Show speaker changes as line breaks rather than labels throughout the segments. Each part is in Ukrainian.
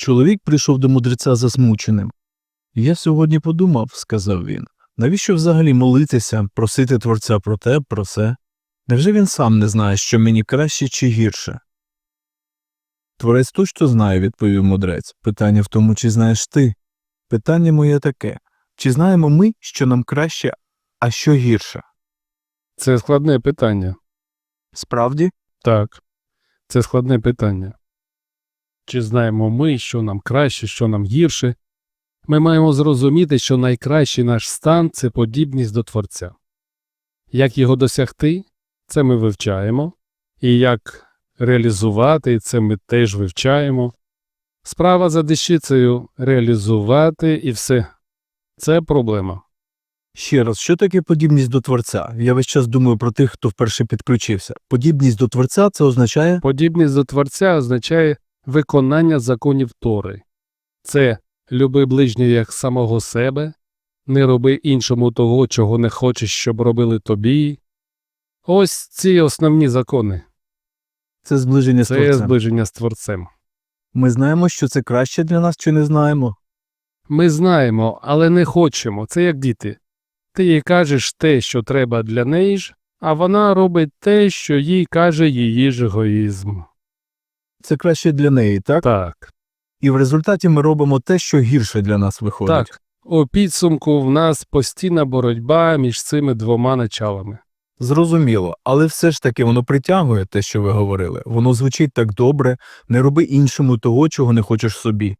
Чоловік прийшов до мудреця засмученим. «Я сьогодні подумав, – сказав він, – навіщо взагалі молитися, просити Творця про те, про се? Невже він сам не знає, що мені краще чи гірше?» «Творець точно знає, – відповів мудрець. Питання в тому, чи знаєш ти. Питання моє таке. Чи знаємо ми, що нам краще, а що гірше?»
Це складне питання.
«Справді?»
Так, це складне питання. Чи знаємо ми, що нам краще, що нам гірше? Ми маємо зрозуміти, що найкращий наш стан – це подібність до Творця. Як його досягти – це ми вивчаємо. І як реалізувати – це ми теж вивчаємо. Справа за дещицею – реалізувати і все. Це проблема.
Ще раз, що таке подібність до Творця? Я весь час думаю про тих, хто вперше підключився. Подібність до Творця – це означає…
Подібність до Творця означає виконання законів Тори. Це люби ближнього як самого себе, не роби іншому того, чого не хочеш, щоб робили тобі. Ось ці основні закони.
Це зближення з
Це
Творцем.
зближення з Творцем.
Ми знаємо, що це краще для нас, чи не знаємо?
Ми знаємо, але не хочемо. Це як діти. Ти їй кажеш те, що треба для неї ж, а вона робить те, що їй каже її ж егоїзм.
Це краще для неї, так?
Так.
І в результаті ми робимо те, що гірше для нас виходить.
Так. У підсумку в нас постійна боротьба між цими двома началами.
Зрозуміло, але все ж таки воно притягує те, що ви говорили. Воно звучить так добре, не роби іншому того, чого не хочеш собі.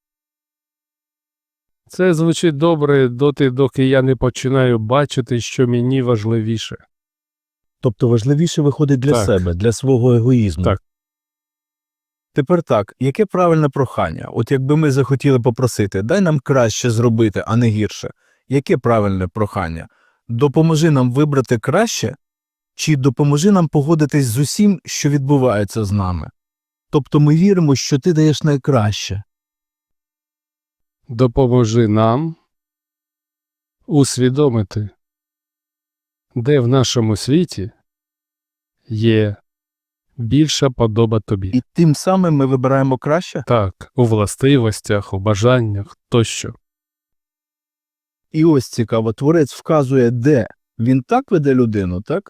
Це звучить добре доти, доки я не починаю бачити, що мені важливіше.
Тобто важливіше виходить для
Так.
себе, для свого егоїзму.
Так.
Тепер так, яке правильне прохання? От якби ми захотіли попросити, дай нам краще зробити, а не гірше. Яке правильне прохання? Допоможи нам вибрати краще? Чи допоможи нам погодитись з усім, що відбувається з нами? Тобто ми віримо, що ти даєш найкраще.
Допоможи нам усвідомити, де в нашому світі є більша подоба тобі.
І тим самим ми вибираємо краще?
Так, у властивостях, у бажаннях тощо.
І ось цікаво, Творець вказує, де. Він так веде людину, так?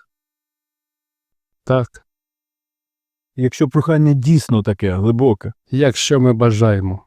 Так,
Якщо прохання дійсно таке, глибоке.
якщо ми бажаємо.